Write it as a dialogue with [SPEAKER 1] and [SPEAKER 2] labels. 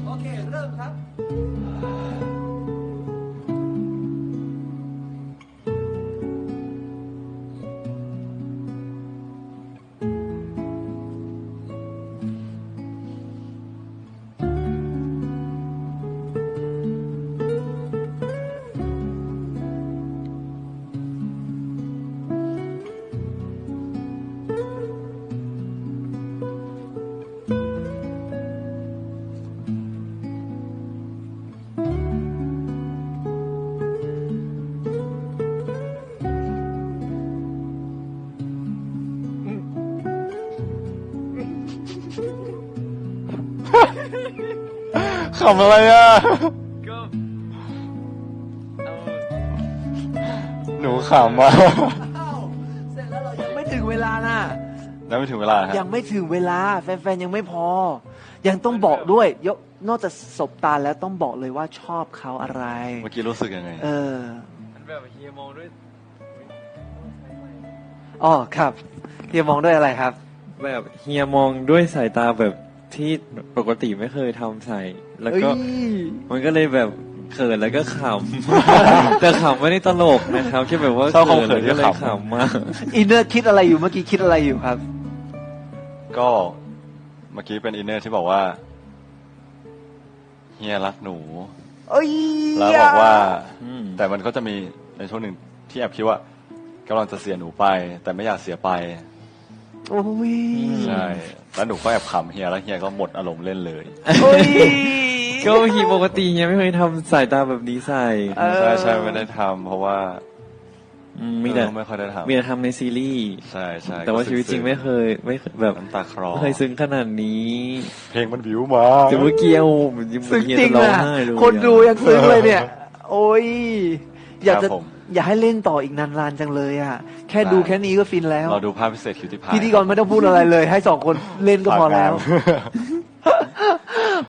[SPEAKER 1] โอเคเริ่มครับ
[SPEAKER 2] ขำอะไรอ่ะ
[SPEAKER 3] ก็
[SPEAKER 2] หนูขำอ่ะ
[SPEAKER 1] อ้าวเสร็จแล้วเรายังไม่ถึงเวลาน่ะ
[SPEAKER 2] ยังไม่ถึงเวลาฮะ
[SPEAKER 1] ยังไม่ถึงเวลาแฟนๆยังไม่พอ ยังต้องบอกด้วยนอกจากสบตาแล้วต้องบอกเลยว่าชอบเขาอะไร
[SPEAKER 2] เมื่อกี้รู้สึกยังไง
[SPEAKER 3] มันแบบเฮียมองด้วย
[SPEAKER 1] อ๋อครับเฮียมองด้วยอะไรครับ
[SPEAKER 3] แบบเฮียมองด้วยสายตาแบบที่ปกติไม่เคยทำใส่ แล้วก็
[SPEAKER 1] เอ้ย
[SPEAKER 3] มันก็เลยแบบเขินแล้วก็ขำ แต่ขำไม่ได้ตลกนะครับแค่แบบว่า
[SPEAKER 2] ชอบความ
[SPEAKER 3] เขิน
[SPEAKER 2] เขิน
[SPEAKER 3] แล้วก็เลย
[SPEAKER 2] ที่ขำ
[SPEAKER 3] ขำมาก
[SPEAKER 1] อินเนอร์คิดอะไรอยู่เมื่อกี้คิดอะไรอยู่ครับ
[SPEAKER 2] ก็เมื่อกี้เป็นอินเนอร์ที่บอกว่าเฮียรักหนู
[SPEAKER 1] เอ้ย
[SPEAKER 2] แล้วบอกว่า
[SPEAKER 3] อืม
[SPEAKER 2] แต่มันก็จะมีในช่วงหนึ่งที่แอบคิดว่ากำลังจะเสียหนูไป แต่ไม่อยากเสียไป
[SPEAKER 1] โอ้ย
[SPEAKER 2] ใช่แล้วหนูก็แอบขำเฮียแล้วเฮียก็หมดอารมณ์เล่นเลย
[SPEAKER 1] โอ้ย
[SPEAKER 3] ก็เฮียปกติเฮียไม่เคยทำสายตาแบบนี้ใส่
[SPEAKER 1] เออ
[SPEAKER 2] ใช่ใช่ไม่ได้ทำเพราะว่า
[SPEAKER 3] มีแต่
[SPEAKER 2] ไม่ค่อยได้ทำ
[SPEAKER 3] มีแต่ทำในซีรีส์
[SPEAKER 2] ใช่ใช่
[SPEAKER 3] แต่ว่าชีวิตจริงไม่เคยแบบ
[SPEAKER 2] น้ำตาคลอ
[SPEAKER 3] ไม่เคยซึ้งขนาดนี้
[SPEAKER 2] เพลงมันวิวมา
[SPEAKER 3] แต่เมื่อกี้เอายัง
[SPEAKER 1] ซึ้ง
[SPEAKER 3] เฮีย
[SPEAKER 1] จริง
[SPEAKER 3] จะร้อง
[SPEAKER 1] อ่ะ
[SPEAKER 3] ไห้เลย
[SPEAKER 1] คนดูยังซึ้งเลยเนี่ย โอ้ยอยากจะ
[SPEAKER 2] ครับผม
[SPEAKER 1] อยากให้เล่นต่ออีกนานๆจังเลยอ่ะ แค่ดูแค่นี้ก็ฟินแล้ว
[SPEAKER 2] เราดูภาพพิเศษคิวที่พาย
[SPEAKER 1] พิธีกรไม่ต้องพูดอะไรเลย ให้สองคนเล่นก็พอแล้ว
[SPEAKER 2] ฝากงาน